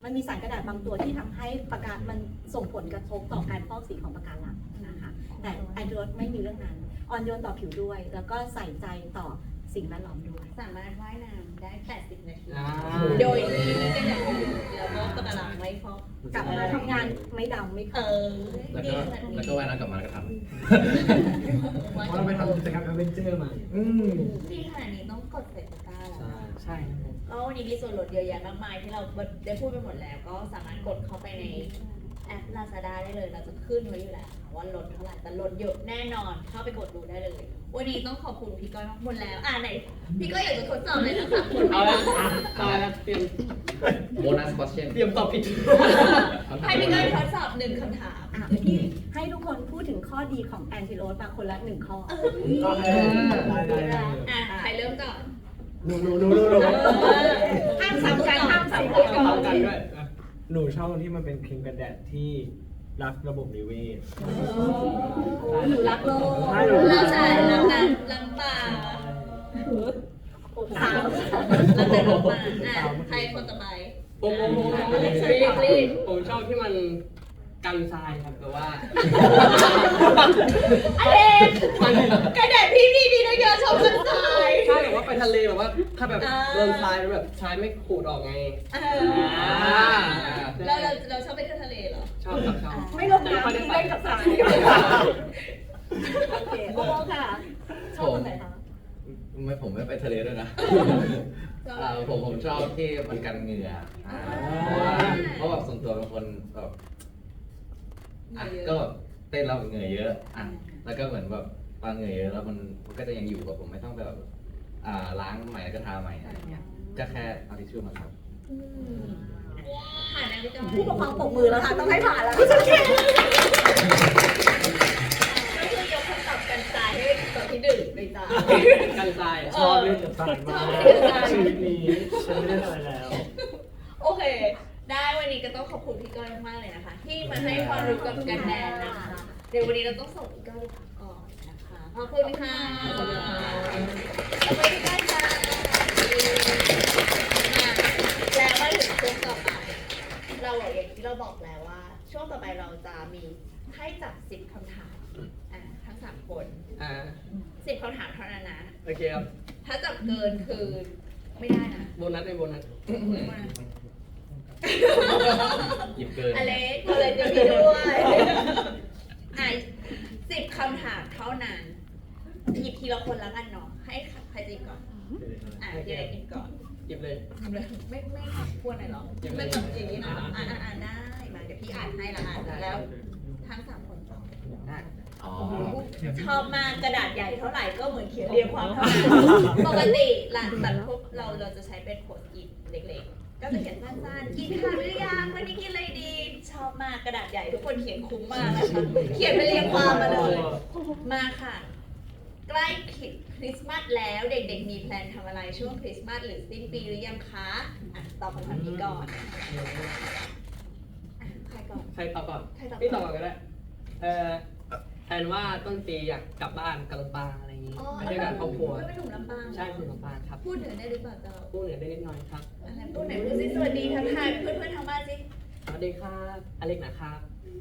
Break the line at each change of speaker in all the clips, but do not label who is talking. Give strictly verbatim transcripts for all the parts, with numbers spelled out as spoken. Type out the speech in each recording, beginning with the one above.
มันมีสารกระดาษบางตัวที่ทำให้ปะการมันส่งผลกระทบต่อการฟอกสีของปะการังนะคะแต่แอนติโรสไม่มีเรื่องนั้นอ่อนโยนต่อผิวด้วย แล้วก็ใส่ใจต่อสิ่งแวดล้อมด้วย
สามารถว่ายน้ำได้แปดสิบนาที
อ่า
โดยที่ไม่เป็นอย่างอื่นแล้วก็ปะการังไม่ฟอก
กลับมาทำงานไม่ดำไม่
เอ
ขาว
อ
แล้ว
ดี
ก็
ขนาดนี้
แล้วก็ว่ายน้ำกลับมาแล้วก็ท
เพราะเราไปทำกิจกรรมแอดเวนเจอร์มา อืม
ดีขนาดนี้ต้องกดใส่ตะกร้าแล้ว
ใช่ครับผม
ก็วันนี้มีส่วนลดเยอะแยะมากมายที่เราได้พูดไปหมดแล้ว ก็สามารถกดเข้าไปในแอป Lazada ได้เลย เราจะขึ้นไว้อยู่แล้วว่าลดเท่าไหร่แต่ลดเยอะแน่นอน เข้าไปกดดูได้เลย วันนี้ต้องขอบคุณพี่ก้อยมากหมดแล้ว อ่าไหนพี่ก้อยอยากจะทดสอบเลยนะคะคุณ
เอาละอ่ะตายแล้วเตรียม
ำโบนัสคอสเชน
เตรียมตอบผิด
ให้พี่ก้อยทดสอบหนึ่งคำถาม
อ่ะพี่ให้ทุกคนพูดถึงข้อดีของแอนติโรสมาคนละหนึ่งข้อ
โอเคได้ได้ได้
อ่ะใครเริ่มก่อน
หนูหนูหนูหนูหนู
ห้ามซ้ำกันห้ามซ้ำ
เอา
กัน
เอากันด้วยอ่ะหนูชอบตรงที่มันเป็นครีมกันแดดที่รักระบบนิเวศ
หนูรักโลก
ใช่หนู
เราใส่น้ำน้ำน้ำปลา
สาม
แล้วแต่น้ำปลาอ่ะใครคนต่อไป
ผมผมผมผม
รีบรีบ
ผมชอบที่มันกันทรายครับแต่ว่า
อะไรกระดาษพี่พี่ดีนะเยอะชอบกันตาย
ใช่แบบว่าไปทะเลแบบว่าถ้าแบบ
อ่า
โดนทรายมันแบบทรายไม่ขูดออกไง
เอ
อ่า
อเราเราเราชอบไปเที่ยวทะเลเหรอ
ชอบครับชอบ
ไม่ลงน้ำเล่นกับสายโอเคโอ้ค่ะชอบตรงไหนคะ
ไม่ผมไม่ไปทะเลด้วยนะเอ่อผมผมชอบที่มันกันเหงื่ออ่าเพราะว่าเพราะแบบส่วนตัวเป็นคนแบบอ่ะก็แบบเต้นแล้วเหงื่อเยอะอ่ะแล้วก็เหมือนแบบพอเหงื่อเยอะแล้วมันมันก็จะยังอยู่กับผมไม่ต้องแบบอ่าล้างใหม่แล้วก็ทาใหม่อะไรอย่างเงี้ยก็แค่เอาทิชชู่มาครับ
อืมผ่านนะพี่จอย
ผู้ปกครองปรบมือแล้วค่ะต้องให้ผ่านแล้ว
ก็คือยกคำตอบกันตายให้ตัวที่ดึงไปจ้า
กันทราย
เออ
ชอบเล่นกับทรายมาก
ชอบเล่นกับทราย
ชีวิตนี้ฉันไม่ได้อะไรแล้ว
โอเค ได้วันนี้ก็ต้องขอบคุณพี่ก้อยมากๆเลยนะคะ ที่มาให้ความรู้กับกันแดนนะคะ เดี๋ยววันนี้เราต้องส่งพี่ก้อยไปพักก่อนนะคะ ขอบคุณค่ะขอบคุณพี่ก้อยค่ะมาแล้วมาถึงช่วงต่อไป เราบอกอย่างที่เราบอกแล้วว่า ช่วงต่อไปเราจะมีให้จับสิบคำถามอ่ะทั้งสามคน
อ่า
สิบคำถามเท่านั้นนะ
โอเคครับ
ถ้าจับเกินคือไม่ได้นะ
โบนัสในโบนัส
หยิบเกิน
อเล็กอเล็กจะมีด้วยอ่ะสิบคำถามเท่านั้นหยิบทีละคนแล้วกันเนาะ ให้ใครจะหยิบก่อน อ่ะพี่เล็กหยิบก่อน
หยิบเลย
หยิบเลยไม่ไม่ควรหน่อยเหรอไม่แบบอย่างนี้นะอ่านอ่านได้ มาเดี๋ยวพี่อ่านให้ละอ่านแล้วทั้งสามคนตอบ
อ๋อ
ชอบมากกระดาษใหญ่เท่าไหร่ก็เหมือนเขียนเรียงความเท่านั้นปกติหลังแบบพวกเราเราจะใช้เป็นโพสต์อิทเล็กๆ ก็จะเขียนสั้นๆ กินข้าวหรือยังวันนี้กินอะไรดี ชอบมากกระดาษใหญ่ทุกคนเขียนคุ้มมากนะคะ เขียนเป็นเรียงความมาเลย มาค่ะ ใกล้คริสต์มาสแล้วเด็กๆมีแพลนทำอะไรช่วงคริสต์มาสหรือสิ้นปีหรือยังคะอ่ะตอบคำถามนี้ก่อนอ่ะใครก่อน
ใครตอบก่อน
ใครตอบก่อน
พี่ตอบก่อนก็ได้ เออแทนว่าต้นปีอยากกลับบ้านกลับลำปางอะไรอย่างงี้ไปด้วยกันครอบครัว
ไม่เป็นหนุ่มลำปาง
ใช่คุณลำปางครับ
พูดเหนือได้หรือเปล่าเจ้า
พูดเหนือได้นิดหน่อยครับ
อะไรพูดไหนพูดสิสวัสดีทักทายเพื่อนๆทางบ้านสิ
สวัสดีครับอเล็กนะครับ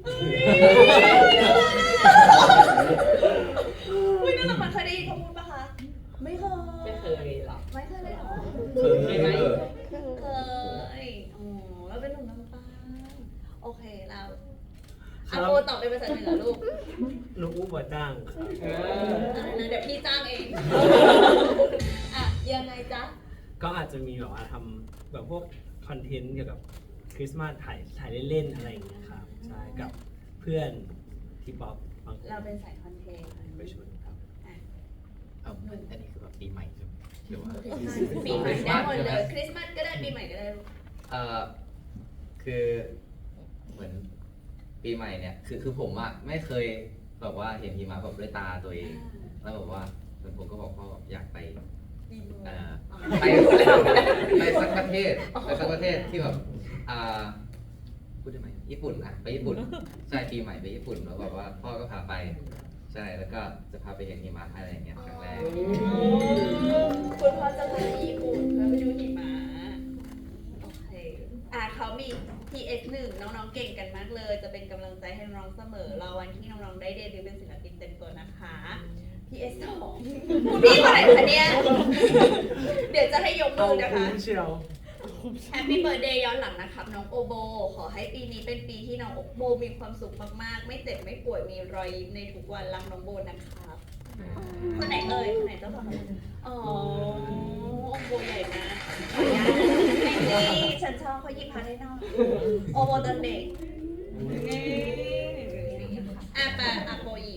อุ้ยน่ารักมันเคยได้ยินเขาพูดปะคะ ไม่เคย
ไม่เคยหรอก
ไม่เคยเลยเหรอ
เคยไหม
เคยอ๋อแล้วเป็นหนุ่มลำปางโอเคเราอาโปตอบเป็นภาษาเหนือลูก
ลูกอู้บ่จ้างเออ
อะไรนะเดี๋ยวพี่จ้างเอง อ่ะยังไงจ๊ะ
ก็อาจจะมีแบบว่าทำแบบพวกคอนเทนต์เกี่ยวกับคริสต์มาสถ่ายถ่ายเล่นๆอะไรอย่างเงี้ยครับใช่กับเพื่อนที่ป๊อปบางคน
เราเป็นสายคอนเทนต์
ไปชวนครับ
เอาอันนี้คือแบบปีใหม่ใช่ไหมหรือว่า
ปีใหม่ได้หมดเลยคริสต์มาสก็ได้ปีใหม่ก็ได้ลูก
เอ่อคือเหมือนปีใหม่เนี่ยคือคือผมอะไม่เคยแบบว่าเห็นหิมะแบบด้วยตาตัวเอง แล้วแบบว่าเหมือนผมก็บอกพ่ออยากไปเอ่อไปไปสักประเทศไปสักประเทศที่แบบอ่าพูดได้ไหมญี่ปุ่นอะไปญี่ปุ่นใช่ปีใหม่ไปญี่ปุ่นแล้วแบบว่าพ่อก็พาไปใช่แล้วก็จะพาไปเห็นหิมะอะไรอย่างเงี้ยครั้งแรก
คุณพ่อจะไปญี่ปุ่นเพื่อไปดูหิมะโอเคอ่ะคเขามี พี เอส หนึ่ง น้องๆเก่งกันมากเลย จะเป็นกำลังใจให้น้องๆเสมอรอวันที่น้องๆได้เดบิวต์เป็นศิลปินเต็มตัวนะคะ พี เอส สอง คุณพี่คนไหนคะเนี่ย เดี๋ยวจะให้ยกมือนะคะ
เชียว
แฮปปี้เบิร์ดเดย์ย้อนหลังนะครับน้องโอโบ ขอให้ปีนี้เป็นปีที่น้องโอโบมีความสุขมากๆ ไม่เจ็บไม่ป่วยมีรอยยิ้มในทุกวันรักน้องโบนะครับคนไหนเอ่ยคนไหนเจ้าของอ๋อโอโบใหญ่มากขออนุญาตนี่ฉันชอบเขาหยิบพาได้นอกโอโบตอนเด็กนี่อ่ะไปอ่ะโบหยิบ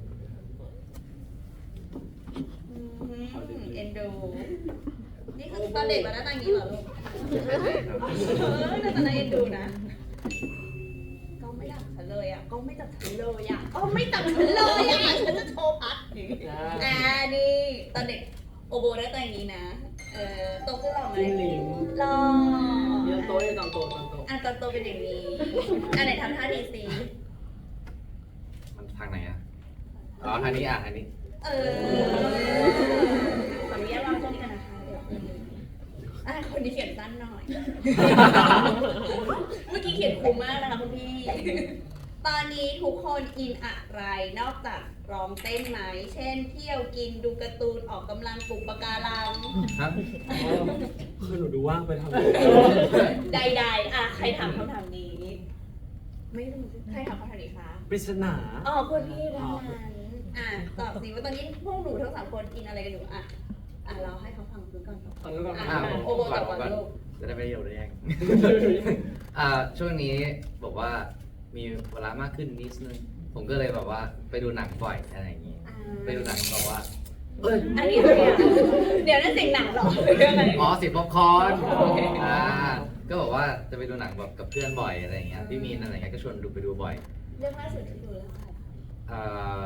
อืมเอ็นดู นี่คือตอนเด็กมาหน้าตาอย่างนี้เหรอลูก
ใช่ใช่ครับ
เออน่าจะน่าเอ็นดูนะก็ไม่จับฉันเลยอ่ะก็ไม่จับฉันเลยอ่ะก็ไม่จับฉันเลยอ่ะฉันจะโชว์พัดอ่านี่ตอนเด็กโอโบได้ตัวอย่างนี้นะ เออโตขึ้นหล่อไหม
จิ้มลิ้ม
หล่อ
เดี๋ยวโตให้ตอนโตตอนโต
อ่ะตอนโตเป็นอย่างนี้อันไหนทำท่าดีสิ
มันทางไหนอ่ะอ๋อทางนี้อ่ะทางนี้
เออขออนุญาตวางตรงนี้กันนะคะเดี๋ยวอ่ะคนนี้เขียนสั้นหน่อย เมื่อกี้เขียนคุ้มมากนะคะคุณพี่ ตอนนี้ทุกคนอินอะไรนอกจากร้องเต้นไหม เช่น เที่ยวกินดูการ์ตูนออกกำลังปลูกปะการัง
ครับ
คือหนูดูว่างไปทำ
ใดๆอ่ะใครถามคำถามนี้ ไม่รู้สิใครถามคำถามนี้คะ
ปริศนา
อ๋อคุณพี่ร้านนั้นอ่ะตอบสิว่าตอนนี้พวกหนูทั้งสามคนอินอะไรกันอยู่อ่ะอ่ะเราให้เขาฟังซื้อก่อน
ตอนนู้นก่อน
อ่ะ
อ่ะ
โอโบตอบก่อนลูก
จะได้ไม่เดียวได้แย่ง อ่าช่วงนี้บอกว่ามีเวลามากขึ้นนิดนึง ผมก็เลยแบบว่าไปดูหนังบ่อยอะไรอย่างงี้
อ่า
ไปดูหนังแบบว่า เอ้ย
อันนี้อะไรอ่ะเดี๋ยวนั่นเสียงหนังเหรอหรืออะไร
อ๋อสิป๊อปคอร์น
โอเค
อ่า ก็บอกว่าจะไปดูหนังแบบกับเพื่อนบ่อยอะไรอย่างเงี้ย พี่มีนอะไรเงี้ยก็ชวนดูไปดูบ่อย
เรื่องล่าสุดที่ดูแล้วค่ะ
อ่า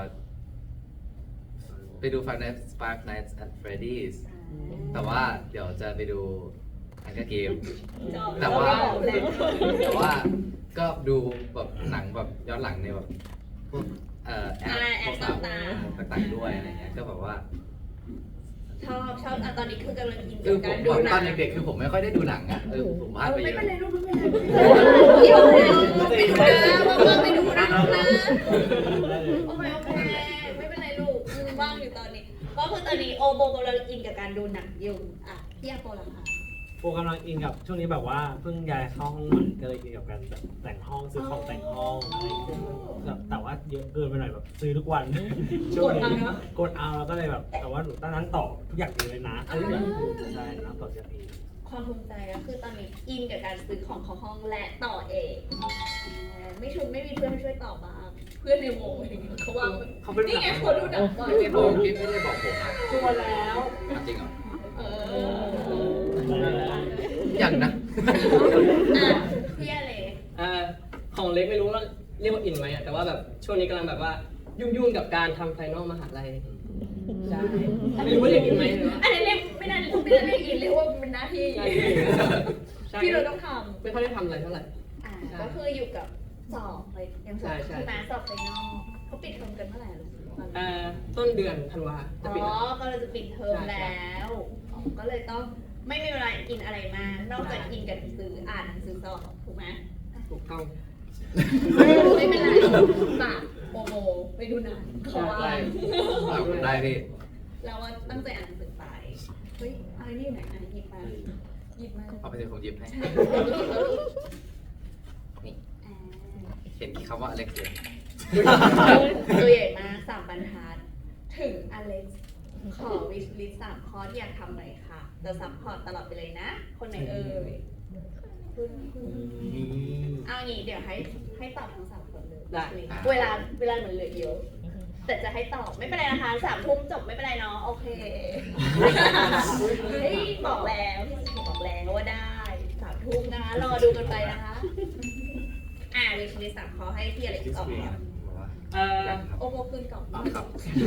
ไปดู Five Nights Five Nights at Freddy's แต่ว่าเดี๋ยวจะไปดูอันก็เกม
จอบ
แต่ว่า
แล้ว
แต่ว่าก็ดูแบบหนังแบบย้อนหลังในแบบพวกเอ่อแอป
อ่าแอ
พว
ป
ก
ต่าง
ต่างๆด้วยอะไรเงี้ยก็แบบว่า
ๆชอบชอบอ่ะตอนนี้คือกำลังอิน
คื
กั
อบ ผ
กาม รดู
ต
หนั
อง นเด็กๆคือผมไม่ค่อยได้ดูหนังอ่ะเออผมพลาดไป
ไม่
เย
เป็นไร
อะ
ลูกไม่เป็นไรเดี๋ยวนะไม่ดูนะว่างไม่ดูนะลูกนะโอเคโอเคไม่เป็นไรลูกว่างอยู่ตอนนี้ก็คือตอนนี้โอโบกำลังอินกับการดูหนังอยู่อ่ะพี่อาโปล่ะคะ
โปกำลังอินกับช่วงนี้แบบว่าเพิ่งย้ายเข้าห้องใหม่ก็เลยอินกับการแบบแต่งห้องซื้อของแต่งห้องอะไรอย่างเงี้ยแบบแต่ว่าเยอะเกินไปหน่อยแบบซื้อทุกวันช่วงนี้กดเอาแล้วก็เลยแบบแต่ว่าหนูตั้งนั้นต่อทุกอย่างเองเลยนะใช่นะต่อจากเอง
ความภูมิใจก็คือตอนนี้อินกับการซื้อของเข้าห้องและต่อเองไม่ชุนไม่มีเพื่อนมาช่วยต่อบ้างเพื่อนในวงอะไรอย่างเงี้ยเขาว่า
เขาเป็น
นี่ไงเขาดูหนังบ่อยไป
พี่
บบ อ
อก กพี่ไม่ได้บอกผมอ่ะ
ตัวแล้ว
จริงเหรอ
เออ
อย่างนะ
อ่ะพี่อะไร
อ่าของเล็กไม่รู้ว่าเรียกว่าอินไหมอะแต่ว่าแบบช่วงนี้กำลังแบบว่ายุ่งๆกับการทำไฟนอลมหาลัยใช่ไม่รู้ว่าเรียกอินไหมหรือว่า
อันนี้เรียกไม่ได้ไม่ได้เรียกอินเรียกว่าเป็นหน้าที่
ใช่ใช่
ที่เราต้องท
ไม่ค่อยได้ทำอะไรเท่าไหร่
ำอ่าก็คืออยู่กับสอบไปยังสอบ
ใช่ใช่
คือมาสอบไฟนอลเขาปิดเทอมกันเมื่อไหร่ลูก
เอ่อต้นเดือนธันวาจะ
อ๋
ปิดแล้ว
อก็เลยจะปิดเทอมแล้วอ๋อก็เลยต้องไม่มีเวลากินอะไรมากนอกจากกินกับหนังสืออ่านหนังสือสอบถูกไหม
ถูกต้อง
ไม่เป็นไรฝากโมโมไปดูหนังเขาว่า
ได้
ได้พี่
เราว่าตั้งใจอ่านหนังสือไปเฮ้ยอะไรนี่อยู่ไหนอ่านหยิบมาหยิบมา
เอาไปเถอะผมหยิบให้
ใช่แล้วหยิบแล้วหยิบ
นี่
อ่า
เห็นคำว่าอเล็กเซย
ตัวใหญ่มากสามบรรทัดถึงอเล็กซ์ขอวิชลิสสามข้อที่อยากทำหน่อยค่ะจะซัพพอร์ตตลอดไปเลยนะ คนไหนเอ่ยคุณคุณเอางี้เดี๋ยวให้ให้ตอบทั้งสามคนเลย
ได้
เวลาเวลาเหมือนเหลือเยอะ แต่จะให้ตอบไม่เป็นไรนะคะสามทุ่มจบไม่เป็นไรเนาะโอเคเฮ้ยบอกแล้วพี่สิบอกแล้วว่าได้สามทุ่มนะคะรอดูกันไปนะคะ อ่าวิชลิสสามข้อให้พี่อเล็กซ์ตอบก่อน
บอกว่า
เอ่อ
โอโมคืนกล่อง
อ๋อครับ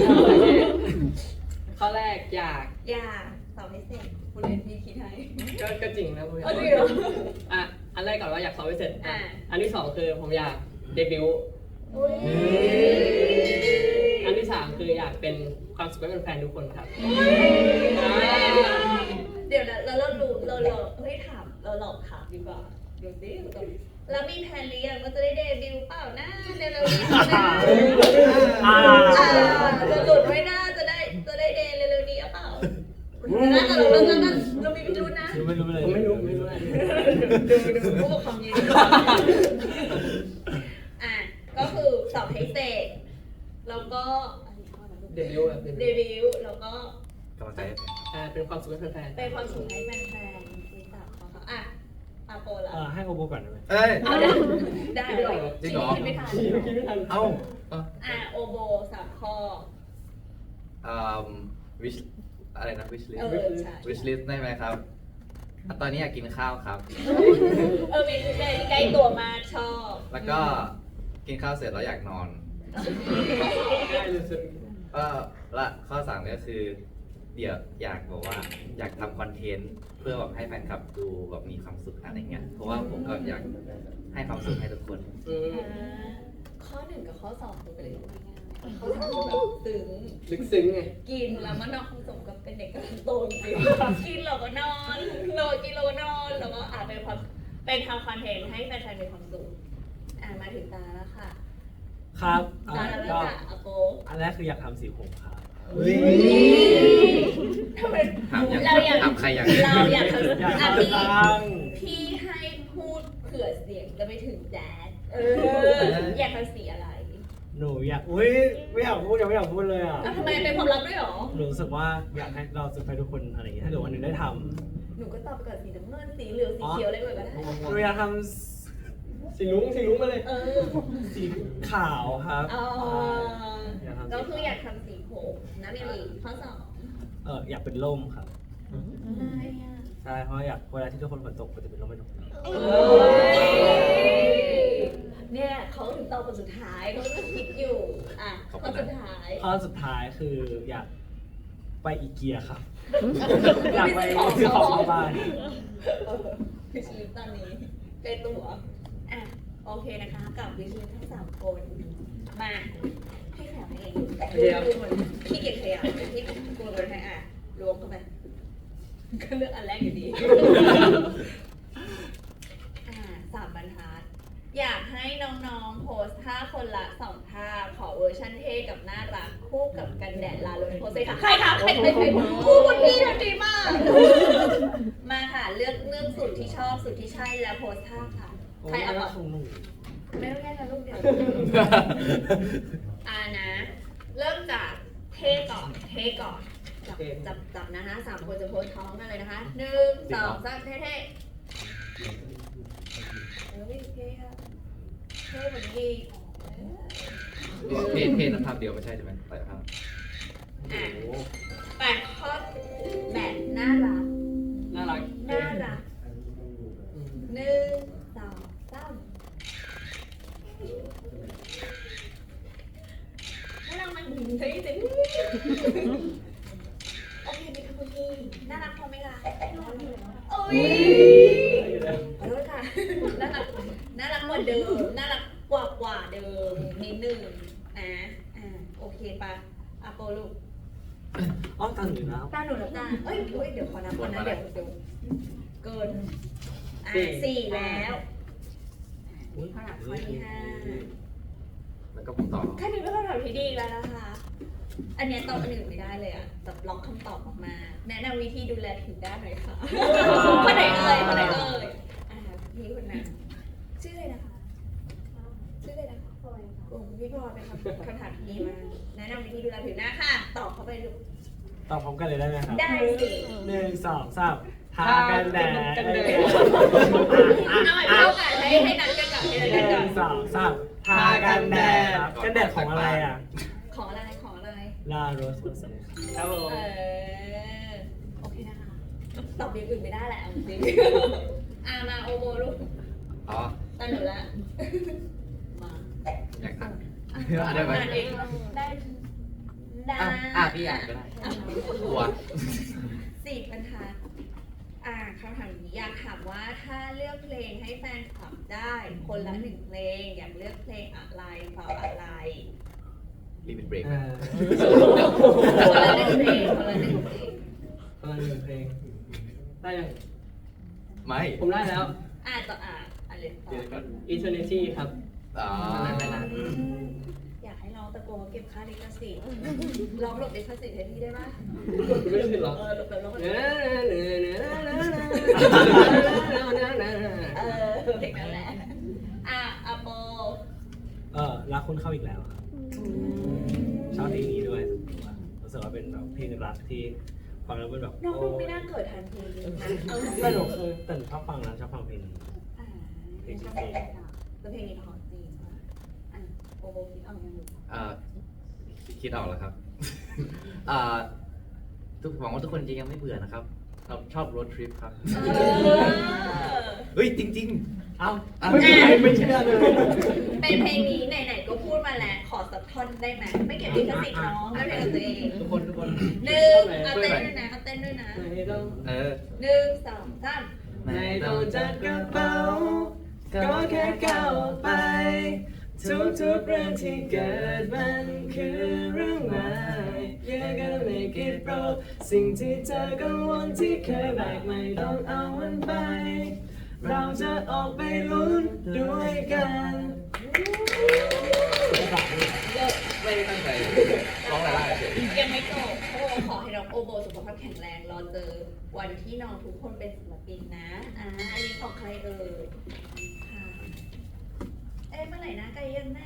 ข้อแรกอยาก
อย่าตอบให้เสร็จคุณเรียนพี่คิดให้
ก็ก็จริงนะพูด
เอาจริงเหรอ
อ่ะอันแรกก่อนว่าอยากสอบให้เสร็จ
อ่ะ
อันที่สองคือผมอยากเดบิวต์
อุ้ย
อันที่สามคืออยากเป็นความสุขให้เป็นแฟนทุกคนครับ
เดี๋ยวนะเราเรารู้เราเราเฮ้ยถามเราหลอกถามดีกว่าดูดิแล้วมีแผนหรือยังว่าจะได้เดบิวต์เปล่านะเร็วๆนี้นะ
อ่า
อ่าจะหลุดไม่น่าจะได้จะได้เดย์เร็วๆนี้หรือเปล่าน่าจะเราเราเราเรามีพิรุธนะ
ไม่รู้ไม่
ผม
รู้
ไม่รู้ไม่รู้อะไร
ดูดูผู้ปกครองยืนอ่ะก็คือสอบให้เสร็จแล้วก็
เดบิวต์แบบ
เดบิวต์แล้วก็
กำลังใจให้เป็น
อ่าเป็นความสุขให้แฟนๆ
เป็นความสุขให้แฟนๆรู้จักเขาอ่ะอาโปล่ะ
เออให้โอโบก่อนได้ไหม
เอ้ย
เอาได้ได้เลย
จริงเหรอ
คิดไม่ทัน
คิดไม่ทัน
เอ้าเอ้า
อ่ะโอโบสามข้อ
อืมวิชอะไรนะวิชลิส
เออใช่
วิชลิสได้ไหมครับอ่ะตอนนี้อยากกินข้าวครับ
เออมีใกล้ใกล้ตัวมากชอบ
แล้วก็กินข้าวเสร็จแล้วอยากนอน
ง่ายเลยสุด
เออและข้อสามก็คือ เดี๋ยวอยากบอกว่าอยากทำคอนเทนต์เพื่อแบบให้แฟนคลับดูแบบมีความสุขอะไรเงี้ยเพราะว่าผมก็อยากให้ความสุขให้ทุกคน
อืม
อ่าข้อหนึ่งกับข้อสองคือเป็นอะไรที่ง่ายๆข้อสามคือแบบตึง
ลึกซึ้งไง
กินแล้วมันนอนสมกับเป็นเด็กกำลังโตจริงๆกินแล้วก็นอนนอนกินแล้วก็นอนแล้วก็อาจเป็นความเป็นทำคอนเทนต์ให้แฟนๆมีความสุขอ่ามาถึงตาแล้วค่ะ
ครับ
ตา
อ่ะ
แล้ว
ก็
ค่ะอาโป
อันแรกคืออยากทำสีผมครับ
ทำไม
ถามอยาก
เราอยาก
ถามใครอยาก
เราอยากทำ
อยาก
อ่ะ
ทำ
พี่
บ้าง
พี่ให้พูดเผื่อเสียงจะไปถึงแดดเอออยากทำสีอะไร
หนูอยากอุ้ยไม่อยากพูดยังไม่อยากพูดเลยอ่ะ
อ่ะทำไมเป็นความลับด้วยหรอ
หนูรู้สึกว่าอยากให้เราจะไปทุกคนอะไรอย่างเงี้ยถ้าเกิดวันหนึ่งได้ท
หนูก็ตอบไปก่อนสีน้ำเงินสีเหลืองสีเขียวอะไรก็ได้
ำหนูอยากท
สีลุ้งสีลุ้งมาเลย
เออ
ำสีขาวครับ
อ๋อ
อยากทำสี
ก็คืออยากทำสีผมนะเมลีข้อสอง
เอออยากเป็นร่มครับ
อะไรอ่ะ
ใช่เพราะอยากเวลาที่ทุกคนฝนตกก็จะเป็นร่มให้ทุกคน
เนี่ยเขาถึงตอบคนสุดท้ายเขาก็คิดอยู่อ่ะข้อสุดท้าย
ข้อสุดท้ายคืออยากไปอีเกียครับ อยากไปซื้อของเข้าบ้าน
วิชลิสตอนนี้เป็นตัวอ่ะโอเคนะคะกับวิชลิสทั้งสามคนมาให้แถวให้เองดูเหมือนขี้เกียจขยับที่กลัวเลยให้อ่ะล้วงเข้าไปก็เลือกอันแรกอยู่ดี อ่าสามบรรทัด อยากให้น้องๆโพสท่าคนละสองท่าขอเวอร์ชันเท่กับน่ารักคู่กับกันแดดลาลนโพสเลยค่ะใครคะใครใครใครคู่คนพี่ทำดีมาก มาค่ะเลือกเลือกสุดที่ชอบสุดที่ใช่แล้วโพสท่าค่ะ ใครเอาก่อน
ของหนู
ไม่ต้องแย่งกันลูกเดียวอ่านะ เริ่มจากเท่ก่อนเท่ก่อนจับจับจับนะฮะสามคนจะโพสท้องกันเลยนะคะหนึ่งสองสามเท่เท่เฮ้ยเท่ค่ะเท่เหมือนดี
เพศเพศนั้นภาพเดียวไม่ใช่ใช่ไหมแต่ภาพ
อ่ะแปดข้อแบบน่ารัก
น่ารัก
น่ารัก
อืม
หนึ่งสองสามน่ารักมันเฮ้ยจริงโอเคมีคำพูดที่น่ารักพอไหมล่ะโอ้ยขอโทษค่ะน่ารักน่ารักกว่าเดิมน่ารักกว่ากว่าเดิมนิดนึงนะอ่าโอเคปะอาโปลูก
อ๋อตังอยู่นะ
ตาหนูแล้วตาเอ้ยเฮ้ยเดี๋ยวขอนับก่อนนะเดี๋ยวเดี๋ยวเกินอ่าสี่แล้วนี่ข้อหลักข้อที่ห้า
แล้วก็ผมตอบ
แค่นี้ก็คำตอบที่ดีแล้วนะคะ อันเนี้ยตอบอันอื่นไม่ได้เลยอะแบบล็อกคำตอบออกมา แนะนำวิธีดูแลผิวด้านหน่อยค่ะคนไหนเอ่ยคนไหนเอ่ยอ่าพี่คนนั้นชื่ออะไรนะคะ ชื่ออะไรนะคะพลอยค่ะกลุ่มพี่พลอยเป็นคำคำถามที่ดีมากแนะนำวิธีดูแลผิวหน้าค่ะ ตอบเข้าไปดู
ตอบพร้อมกันเลยได้ไหมครับ
ได้สิ
หนึ่งสองสามทากันแดด
กันแดด
เอาใหม่เท่ากันให้ให้นัดกันก่อนให้นัด
ห
กันก่
นึ่
อน
งสองสามทากันแดดครับกันแดดของอะไรอ่ะ
ของอะไรของอะไร
ลาโรสโรส
ครับผม
เออโอเคนะคะ ตอบอย่างอื่นไม่ได้แหละเอาจริงอ่ามาโอโมลูก
อ๋อ
ตาหนูละมา
อยากทำ
อ่ะ
อ่านได้ไหม
อ่านเองได้ได้
อ่ะอ่ะพี่อ่านก็ได้กลัว
สี่บรรทัดอ่าคำถามนี้อยากถามว่าถ้าเลือกเพลงให้แฟนคลับได้ คนละหนึ่งเพลง อยากเลือกเพลงอะไรเพราะอะไร
รีบเป็นเบรก
อ่า
คนละหนึ่งเพลงคนละหนึ่งเพลง
ประมาณหนึ่งเพลง ได้ยัง
ไม่
ผมได้แล้ว
อ่าต่ออ่าเลย
เดี๋ยวก่อน eternity ครับ
อ๋อ
ไม่นาน
อยากให้น้องตะโกนเก็บค่าลิขสิทธิ์ร้องหลบลิขสิทธิ์ให้พี่ได้ปะ
ไม่รู้สึกหรอ
เออหลบแบบร้องแบบ
เนื้อเนื้อเนื้อเนื้อเนื้อ
เออเพลงนั้นแหละอ่ะอะโป
เออรักคุณเข้าอีกแล้วครับชอบเพลงนี้ด้วยรู้สึกว่าเป็นแบบเพลงรักที่ฟังแล้วเป็นแบบ
น้องดูไม่น่าเกิดทันทีนะเอา
สนุกคือแต่ชอบฟังนะชอบฟังเพลงนี้
อ่าเพลงชอบเพลงนี้ค่ะแล้วเพลงนี้เพราะจริงอ่ะอ่ะโปโบคิดเอายังอยู่
อ่าคิดออกแล้วครับ อ่าทุกหวังว่าทุกคนจะยังไม่เบื่อนะครับเราชอบรถทริปครับ
เออ
เฮ้ยจริง
เอ้า
ๆอ่ะ
ไม่มีใครไม่เชื่อเลย
เป็นเพลงนี้ไหนๆก็พูดมาแล้วขอสักท่อนได้ไหมไม่เก็บลิขสิทธิ์น้องไม่เป็นของตัวเอง
ทุกคนทุกคน
หนึ่งเอาเต้นด้วยนะเอาเต้นด้วยนะ
ไม่ต้อง
เออ
หนึ่งสองสาม
ไม่ต้องจัดกระเป๋าก็แค่ก้าวออกไป ทุกๆเรื่องที่เกิดมันคือเรื่องใหม่ You're gonna make it bro สิ่งที่เธอกังวลที่เคยแบกไม่ต้องเอามันไป เราจะออกไปลุ้นด้วยกัน
ไม่ได้ตั้งใจร้องอะไรล่ะเฉย
ยังไม่จบโอ้ขอให้น้องโอโบสุขภาพแข็งแรงรอเจอวันที่น้องทุกคนเป็นศิลปินนะอ่าอันนี้ของใครเอ่ยค่ะเอ๊ะเมื่อไหร่นะไกลยังนะ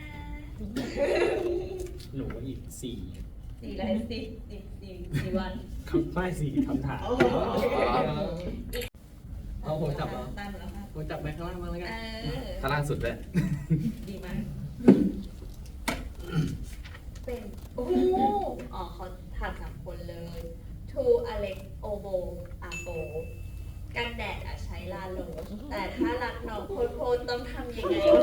หนูอีกสี่
สี่อะไรสี่สี่สี่สี่วัน
คำไม่สี่คำถาม
เอาผมจับเหรอ
ตามแล้วค่ะ
ผมจับไปข้างล่างบ้างแล้ว
เอ
กัน
อ
ข้างล่างสุดเลย
ดีมากเป็นโอ้โหอ๋อเขาถามสามคนเลย To Alex Obo Ago กันแดดอะใช้ลาโลสแต่ถ้ารักน้องโคตรๆต้องทำยังไงคะ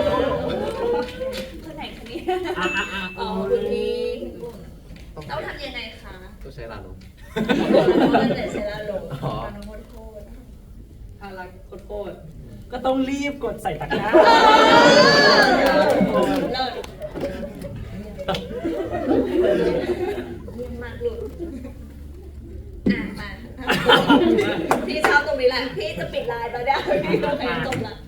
คนไหนคะเนี่ยอ๋อคุณพี่ต้องทำยังไงคะ
ต้องใช้ลาลม
กันแดดใช้ลาโลส
อ๋อ
น้องโคตร
ถ้ารักโคตร
ก็ต้องรีบกดใส่ตะกร้า
ๆเลิศเยี่ยมมากลูกอ่ะมา พี่ชอบตรงนี้แหละ พี่จะปิดไลน์แล้วได้พี่โอเคจบละ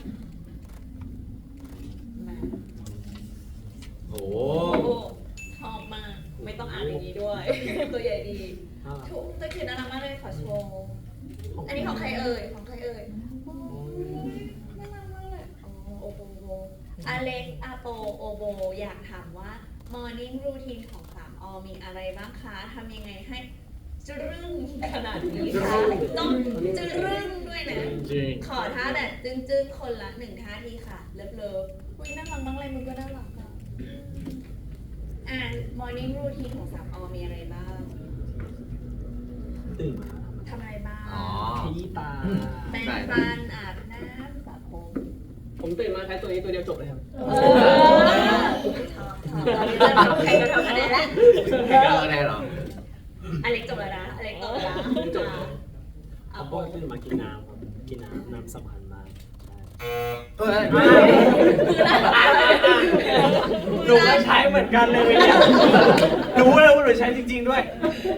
มา
โอ้
โอ้ชอบมาก ไม่ต้องอ่านอย่างนี้ด้วย ตัวใหญ่ดีทุกตัวเขียนน่ารักมากเลยขอโชว์ อันนี้ของใครเอ่ย ของใครเอ่ยโอ้ยน่ารักมากเลยอ๋อโอโบโบอเล็กอาโปโอโบ อยากถามว่า Morning Routine ของสามอมีอะไรบ้างคะทำยังไงให้จรึ้งขนาดนี้คะต้องจรึ้งด้วยนะ
จริง
ขอท่าแบบจึ้งๆ คนละหนึ่งท่าทีค่ะ เลิฟเลิฟอุ้ยน่ารักมากเลยมึงก็น่ารักอ่ะอ่ะ morning routine ของสามอมีอะไรบ้าง
ตื่นมา
ทำอะไรบ้าง
อ๋อ
ขยี้ตา
แปรงฟันอาบน้ำสระผม
ผมตื่นมาใช้ตัวนี้ตัวเดียวจบเลยครับ
เออชอบชอบตอนนี้จะทำใครก็ทำคะแนนแล้ว
ไม่กล้าแน่หรอ
อเล็กจบแล้วนะอเล็กจบแล้วนะ
จบ
อ่ะ
เอา
เอา
โป
โป
ตื่นมากินน้ำครับกินน้ำน้ำสำคัญมากใช่
เฮ้ย
หนูก็ใช้เหมือนกันเลยเนี่ยรู้เลยว่าหนูใช้จริง ๆด้วย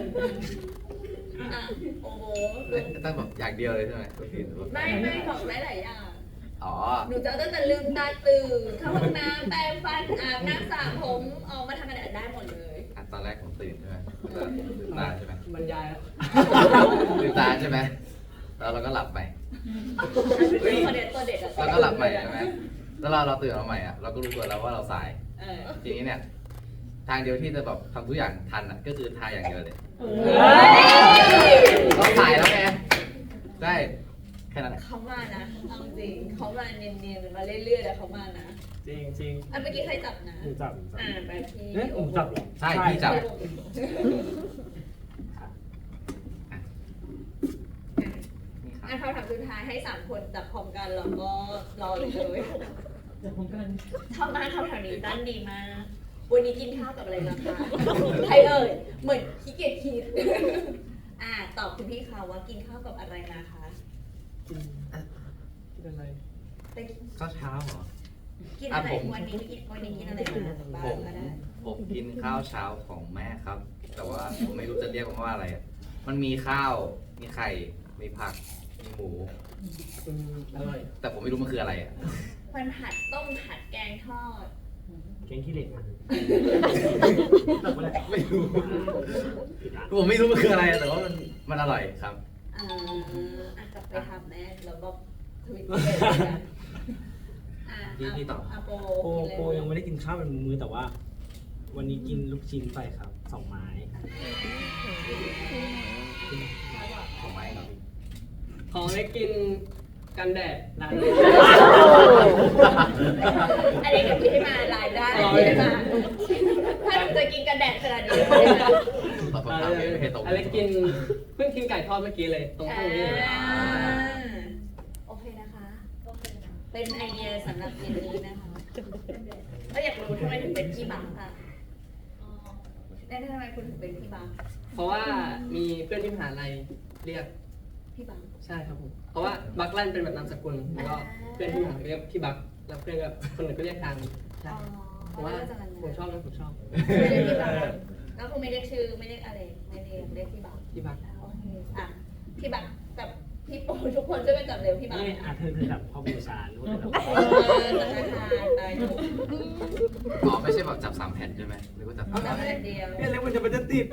อ่ะโอ้โห
ตั้งแบบอย่างเดียวเลยใช่ไหม
ไม่ไม่บอกได้หลายอย่าง
อ๋อ
หนูจะตั้งแต่ลืมตาตื่นเข้าห้องน้ำแปรงฟันอาบน้ำสระผมออกมาทำอะไรได้หมดเลย
อ่ะตอนแรกผมตื่นใช่ไหมลืมตาใช่ไหม
บรรยายแล้ว
ลืมตาใช่ไหมแล้วเราก็หลับไป
ตัวเด็ดตัวเด็ดอะ
แล้วก็หลับใหม่ใช่ไหมแล้วเราเราตื่นมาใหม่อ่ะ เราก็รู้ตัวแล้วว่าเราสาย
เออ
ทีนี้เนี่ย ทางเดียวที่จะแบบทำทุกอย่างทันอ่ะ ก็คือทายอย่างเดียวเลย ต้องสายแล้วไงใช่แค่นั้น
เขามานะเอาจริงเขามาเนียนๆมาเรื่อยๆแต่เขามานะ
จริงจริง
อันเมื่อกี้ใครจับนะ
หนูจับหนูจับ
อ่าไปพี่
เอ๊ะหนูจับเหรอ
ใช่พี่จับ
อ่ะคำถามสุดท้ายให้สามคนจับพร้อมกันแล้วก็รอเลยเลยจับพร้อมกันชอบมากคำถามนี้ตั้นดีมาก วันนี้กินข้าวกับอะไรมาคะใครเอ่ยเหมือนขี้เกียจคิดอ่าตอบคุณพี่ค่ะว่ากินข้าวกับอะไรมาคะ
กินอะไร
ไปกิน
ข้าวเช้าเหรอ
กินอะไร
อ่ะผม
วันนี้กินวันนี้กินอะไรมาบ้า
ผ
ง
ม
ก็ได้
ผมกินข้าวเช้าของแม่ครับ แต่ว่าผมไม่รู้จะเรียกมันว่าอะไรอะมันมีข้าว มีไข่ มีผักมีหมู
อืมอร่อย
แต่ผมไม่รู้มันคืออะไรอ่ะ
มันผัดต้มผัดแกงทอด
แกงขี้เหล็กมันตกไปแล้ว
ไม่รู้ ผมไม่รู้มันคืออะไรอะแต่ว่ามันมันอร่อยครับ
อ่าอ่ะกลับไปทำแน่แล้วก็ทวิตเตอร์กันอ่ะ
พี่พี่ต่อ
อ่ะโป
โปโปยังไม่ได้กินข้าวเป็นมื้อแต่ว่า วันนี้กินลูกชิ้นไปครับสองไม้
ของไม้ครับ
ของได้กินกันแดดร้าน
อันนี้กับพี่ให้มาลายได้พี่ให้มาถ้าหนูจะกินกันแดดขนาดนี้ไม่ได้มา
ตอบคำถามไม่ไม่ให้ตรง
อะไรกินเพิ่งกินไก่ทอดเมื่อกี้เลยตรงข้างนี้เลย
อ่าโอเคนะคะ เป็นไอเดียสำหรับเย็นนี้นะคะแล้วอยากรู้ทำไมถึงเป็นพี่บังค่ะแล้วทำไมคุณถึงเป็นพี่บัง
เพราะว่ามีเพื่อนที่มหาลัยเรียก
พี่บัง
ใช่ครับผมเพราะว่าบักลั่นเป็นแบบนามสกุลแล้วก็เพื่อนที่มหาลัยเรียกพี่บักแล้วเพื่อนก็คนอื่นก็เรียกทางใช่
อ๋อ
เพราะว่าผมชอบนะผมชอบ
ไม่เรียกพี่บังแล้วคุณไม่เรียกชื่อไม่เรียกอะไรไม่เรียกเรียกพี่บัง
พี่บัก
โอเคอ่ะพี่บังกับพี่โปทุกคนช่วยกันจับเร็วพี่บัง
นี่อาเธอเธอแบบข้อมูลสารรู้แต่แบบ
เออธนาคารตายถูก
อ๋อไม่ใช่แบบจับสามแผ่นใช่ไหมหรือว่าจับ
เอาจับแค่เดียว
เนี่ยแล้วมันจะมันจะติด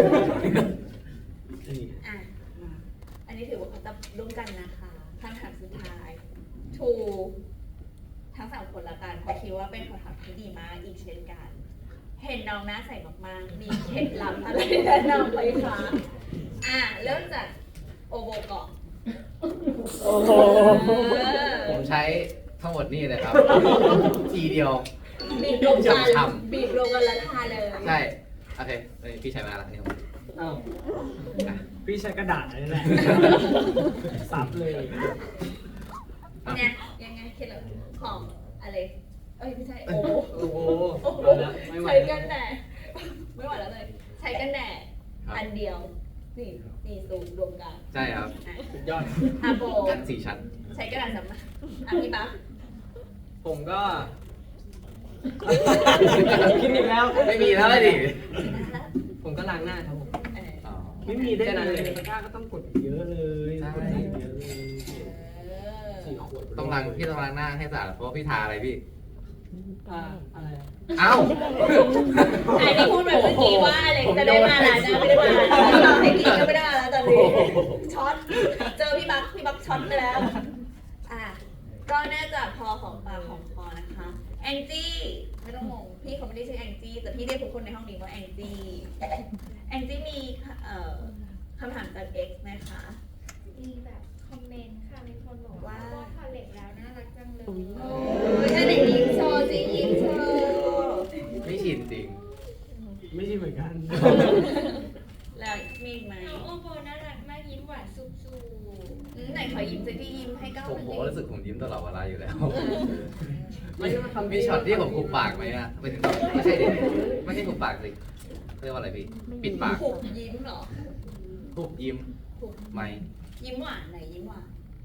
นี่
อ่ะอันนี้ถือว่าเขาตับร่วมกันนะคะคำถามสุดท้ายทูทั้งสามคนละกันเพราะคิดว่าเป็นคำถามที่ดีมากอีกเช่นกัน เห็นน้องหน้าใสมากๆ มีเคล็ดลับอะไรแนะนำไหมคะอ่ะเริ่มจากโอโบก่อน
โอ้โห
เออ
ผมใช้ทั้งหมดนี่เลยครับ ทีเดียว
บีบรวมกัน
ฉ่ำๆ
บีบรวมกันแล้วทาเลย
ใช่โอเคเอ้ยพี่ใช้มาแล้วนี่ผม
อ้าว
อ่ะ
พี่ใช้กระดาษนี่แหละซับเลย
เนี่ยยังไงเคล็ดลับของอะไรเอ้ยไม่ใช่โอโบ
โอ้โห
โอ้โห
เอาละไม่ไหว
ใช้
แล้
กั
วน
แดดไม่ไหวแล้วเลย ใช้กันแดด
ครับ
อันเดียวนี่นี่สูงรวมกัน
ใช่ครับ
อ่ะ
สุดยอด
อาโบ
กันสี่ชั้น
ใช้กระดาษสำนักอ่ะพี่ปั๊บ
ผมก็คิดอีกแล้ว
ไม่มีแล้วเลยดิ
ผมก็ล้างหน้าครับผม
เออ
อ๋อ
ไม่มีได้
แค่นั้น
เล
เลย ย
ตะกร้าก็ต้องกดเยอะเลย
ใช่
กดเยอะเลย
เออ
สี่ขวด
ต้องล้างพี่ต้องล้างหน้าให้สะอาดเพราะว่าพี่ทาอะไรพี่
อ่าอะไรอะ
เอ้า
อันนี้พูดแบบเมื่อกี้ว่าอะไรจะได้มาแล้วนะไม่ได้มาแล้วเราให้กินก็ไม่ได้แล้วตอนนี้ช็อตเจอพี่ปั๊บพี่ปั๊บช็อตไปแล้วอ่ะก็น่าจะพอของปากของคอนะคะแองจี้ไม่ต้องงงพี่เขาไม่ได้ชื่อแองจี้แต่พี่เรียกทุกคนในห้องนี้ว่าแองจี้แองจี้มีเอ่อคำถามจาก X ไหมคะ
มีแบบคอมเมนต์ค่ะ มีคนบอกว่า
ว่า
ว่าพอเล็กแล้วน่ารักจังเลย
โอ้ยถ้าไหนยิ้มโชว์สิยิ้มโชว์
ไม่ชินจริง
ไม่ใช่เหมือนกัน
แล้วมีอีกไหม
น้องโอโบน่ารักมากยิ้มหวานสุบ
อืมไหนขอยิ้มสักทียิ้มให้ก้าว
ผม
มัน
ผม
ยิ้
ก็รู้สึกผมยิ้มตลอดเวลาอยู่แล้ว
ไม่ได้มาทำ
มีช็อตที่ผมคุบปากไหมอะไม่ถึงไม่ใช่ดิไม่ใช่คุบปากสิเรียกว่าอะไรพี่ ปิดปาก
หุบยิ้มเหรอ
คุบยิ้ม
หุบ
ไหม
ยิ้มหวานไหนยิ้มหวาน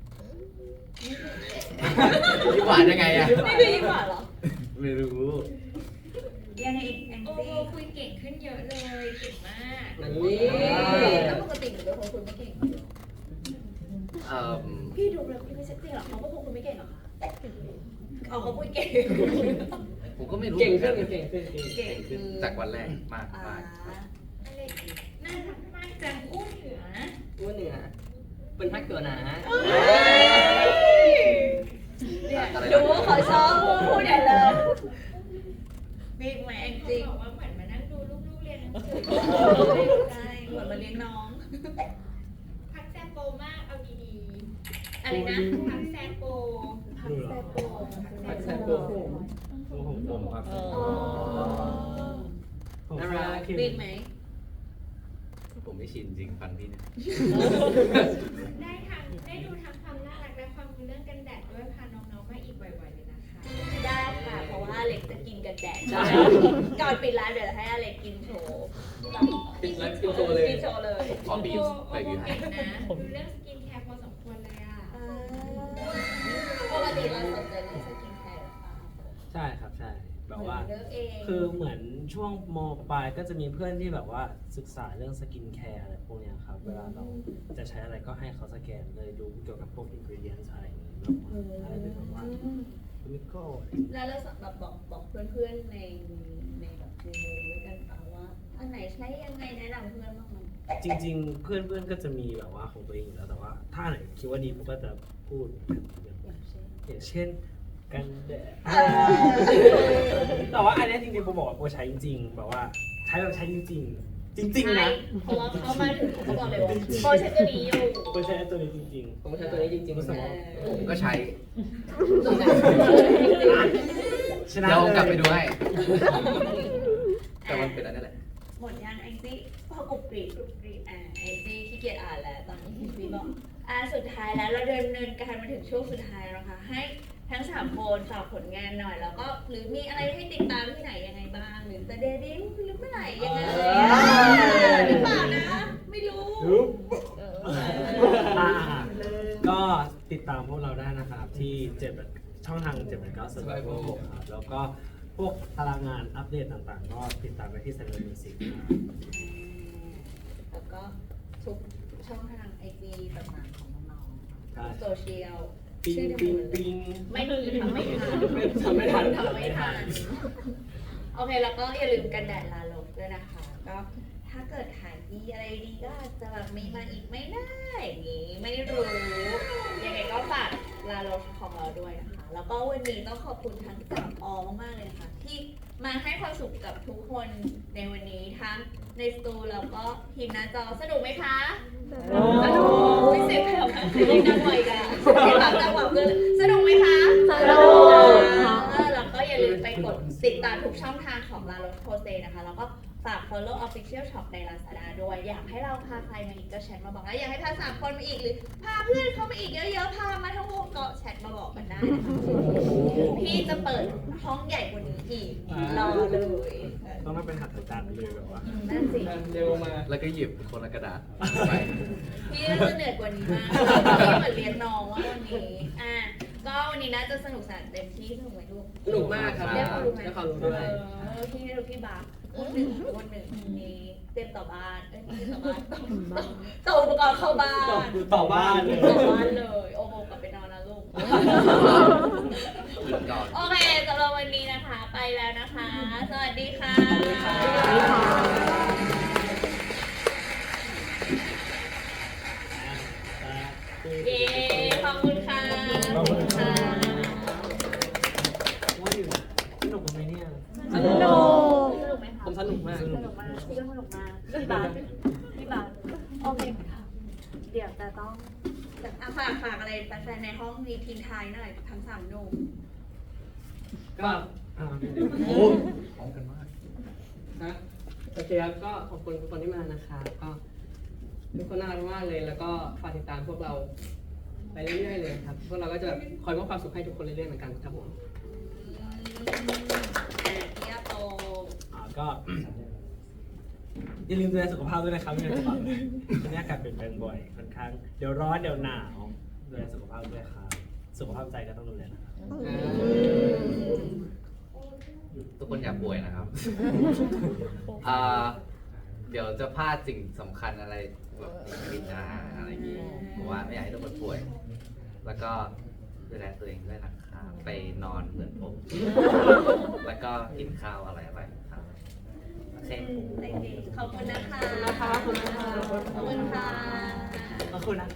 ยิ้มหวานยังไงอะ
นี่คือยิ้มหวานเหรอ
ไม่รู้
ยังไงอีกแอง
ๆโอโบ
จี้
คุยเก่งขึ้นเยอะเลย เก่งมาก
นี่
แล้วปกติหนูเป็นคนคุยไม่เก่ง
เอ่อ
พี่ดูแล้วพี่ไม่ใช่จริงเหรอเขาก็คงคุยไม่เก่งหรอคะเอาเขาพูดเก่ง
ผมก็ไม่รู้
เก่งขึ้น
หมือกั
เก่งขึ้นเก่ง
เก่ง
ขึ้นจากวันแรกมาก
อ่าม
าก
อะไรน่ารักมากจังอู้เหนือ
อ้วนเหนือเป็นทักตัวหนา
เนี่ยดูว่าเขาชอบพูดใหญ่เลยมีไหมแอง
เขา
จี้
บอกว่าเหมือนมานั่งดูลูกๆเรียนหนังสือ
ใช่เหมือนมาเลี้ยงน้อง
พักแซมโปมาก เอาดี
อะไรนะ
ๆพักแซมโป
พักแซโป
พักแซมโป
โอ้โหผมครับ
อ๋อ
ผมว่าคือ
มีไหม
ผมไม่ชินจริงฟันพี่เนี่ย
ได้ทางได้ดูทั้งความน่ารักและความรู้เรื่องกันแดดด้วยพาน้องๆมาอีกบ่อยๆเลยนะคะ
ได้ค่ะ เพราะว่าอเล็กจะกินกันแดดก่อนปิดร้านเดี๋ยวให้อเล็กกินโชว์
ปิดไลฟ์กินโชว์เลย
กินโชว์เลย
ขอบีบ
โอ
ไป
โบ
บีบให้
เก่งนะดูเรื่องสกินแคร์พอสมควรเลยอ่ะ
ปกติเราสนใจเรื่องสกินแคร์หรือเปล่า
ใช่ครับใช่แบบว่า
เลือกเอง
คือเหมือนช่วงมปลายก็จะมีเพื่อนที่แบบว่าศึกษาเรื่องสกินแคร์อะไรพวกเนี้ยครับ เวลาเราจะใช้อะไรก็ให้เขาสแกนเลยดูเกี่ยวกับพวกอินกรีเดียนอะไรอย่างนี้แบบว่าอะไรเป็นแบบว่าเคมีคอล
แล้วเราแบบบอกบอกเพื่อนๆในในแบบในวงด้วยกันเปล่าว่าอันไหนใช้ยังไงแนะนำเพื่อนบ้างมั้ย
จริงๆ เพื่อนๆ ก็จะมีแบบว่าของตัวเองอยู่แล้ว แต่ว่าถ้าไหนคิดว่าดีผมก็จะพูด
อย่างเช่น
อย่างเช่นกันแดดแต่ว่าอันเนี้ยจริงๆผมบอกว่าผมใช้จริงๆ แบบว่าใช้แบบใช้จริงๆ จริงๆ นะ
เพราะว่าเขามาถึงเขาบอกเลยว่าโปรใช้ตัวนี้อยู่
ผมใช้ตัวนี้จริงๆ
ผมใช้ตัวนี้จริงๆ
รู้สึกว่า
ผมก็ใช้
ชนะ
เดี๋ยวผมกลับไป
เลย
ดูให้แต่มันเป็นอันนี้แหละ
หมดยังไอซี่พอกรุบกรีบกรุบกรีบอ่าไอซี่ขี้เกียจอ่านแล้วตอนนี้พี่บอกอ่าสุดท้ายแล้วเราเดินเนินการมาถึงช่วงสุดท้ายแล้วค่ะให้ทั้งสามคนฝากผลงานหน่อย แล้วก็หรือมีอะไรให้ติดตามที่ไหนยังไงบ้าง หรือจะเดบิวต์หรือเมื่อไหร่ยังไงหรือเปล่านะ ไม่รู้
รู้
เออ
อ่าก็ติดตามพวกเราได้นะครับ ที่เจ็ดช่องทางเจ็ดแปดเก้า Survival ครับ แล้วก็พวกตารางงานอัปเดตต่างๆ ก็ติดตามไปที่ Survival Music ครับ
แล้วก็ทุกช่องทางไอจีต่างๆของน้องๆ
ใช่
โซเชียล
ปิง
ชื่อเดียว
ปิง
หมดเลย
ปิง
ไม่มีทำไม่ทัน
ทำไม่ทัน
ทำไม่ทัน โอเค แล้วก็อย่าลืมกันแดดลาโลกด้วยนะคะ ก็ถ้าเกิดขายดีอะไรดีก็อาจจะแบบมีมาอีกไม่ได้อย่างนี้ ไม่รู้ ยังไงก็ฝากลาโลกของเราด้วยนะคะ แล้วก็วันนี้ต้องขอบคุณทั้งสามออมากๆเลยนะคะที่มาให้ความสุขกับทุกคนในวันนี้ทั้งในสตูแล้วก็ทีมหน้าจอสนุกไหมคะสนุกอุ๊ยเสียงแผ่วนะเสียงดังหน่อยกันเสียงดังจังหวะเกินสนุกไหมคะสนุกแล้วก็อย่าลืมไปกดติดตามทุกช่องทางของลาโรสโพเซนะคะแล้วก็ฝาก follow official shop ใน Lazada ด้วยอยากให้เราพาใครมาอีกก็แชทมาบอกนะอยากให้พาสามคนมาอีกหรือพาเพื่อนเข้ามาอีกเยอะๆพามาทั้งวงก็แชทมาบอกกันได้นะคะพี่จะเปิดห้องใหญ่กว่านี้อีกรอเลย
ต้องมาเป็นหัตถจันทร์เลยแบบว่า
นั่นสิ
เร็วมา
แล้วก็หยิบคนละกระดาษไป
พี่น่าจะเหนื่อยกว่านี้มากพี่เหมือนเลี้ยงน้องว่าวันนี้อ่ะก็วันนี้น่าจะสนุกสนานเต็มที่สนุกไหมลูก
สนุกมากครับ
เรียกความรู้ไหม
ได้ความรู้ด้วย
เออพี่ให้ลูกพี่บาสคนหนึ่งคนหนึ่งนี้เตรียมต่อบ้านเอ้ยไม่ใช่ต่อบ้านต่ออุปกรณ์เข้าบ้าน
ต่อบ้านเลย
ต่อบ้านเลยโอ้โหกลับไปนอนนะลูก
หยุดก่อน
โอเคสำหรับวันนี้นะคะ ไปแล้วนะคะ สวัสดีค่ะ เย้ ขอบคุณค่ะ
ขอบคุณค่ะ
ค่ะ
ว่าอยู่สนุกไหมเนี่ย
สนุกสนุกไหมคะ
ผมสนุกมาก
สนุกมากพี่ก็สนุกมากพี่บาสพี่บาสโอเคค่ะเดี๋ยวจะต้อง
อ่ะฝากฝากอะไรแฟนๆในห้องนี้ทิ้งท้ายหน่อยทั้งสามหนุ่ม
ก็
อ่า
โอ้พร้อมกันมาก
ฮะโอเคครับก็ขอบคุณทุกคนที่มานะครับก็ทุกคนน่ารักมากเลย แล้วก็ฝากติดตามพวกเราไปเรื่อยๆเลยครับพวกเราก็จะคอยมอบความสุขให้ทุกคนเรื่อยๆเหมือนกันครับผม
อ่ะพี่อาโต
อ่าก็ อย่าลืมดูแลสุขภาพด้วยนะครับไม่งั้นจะแบบตอนนี้อากาศเปลี่ยนแปลงบ่อยค่อนข้างเดี๋ยวร้อนเดี๋ยวหนาวดูแลสุขภาพด้วยครับสุขภาพใจก็ต้องดูแลนะครับ
ทุกคนอย่าป่วยนะครับอ่าเดี๋ยวจะพลาดสิ่งสำคัญอะไรแบบในชีวิตนะอะไรอย่างงี้ผมว่าไม่อยากให้ทุกคนป่วย แล้วก็ดูแลตัวเองด้วยนะครับไปนอนเหมือนผม แล้วก็กินข้าวอะไรอะไรครับโอเค
ขอบคุณนะคะขอบคุณค่ะขอบคุณค่ะ
ขอบคุณนะ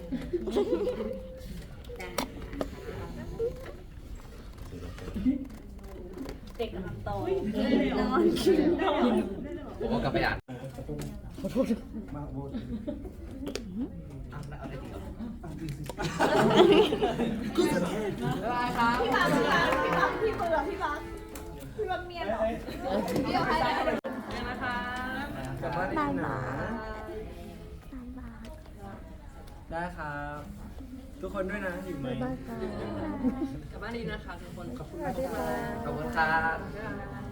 เด็กกำลังโต
นอน
ผมก็กลับไปอ่าน
พี่บาสพี่บาสพี่บาสพี่เบื่อพี่บาสพี่บาสเมียเหรอพี่เอาใครได้นะคะ
กลับบ้านดีนะได้ครับ ทุกคนด้วยนะอยู่ไหม
กลับบ้านดีนะครับทุกคนขอบคุณ
ขอบคุณครับ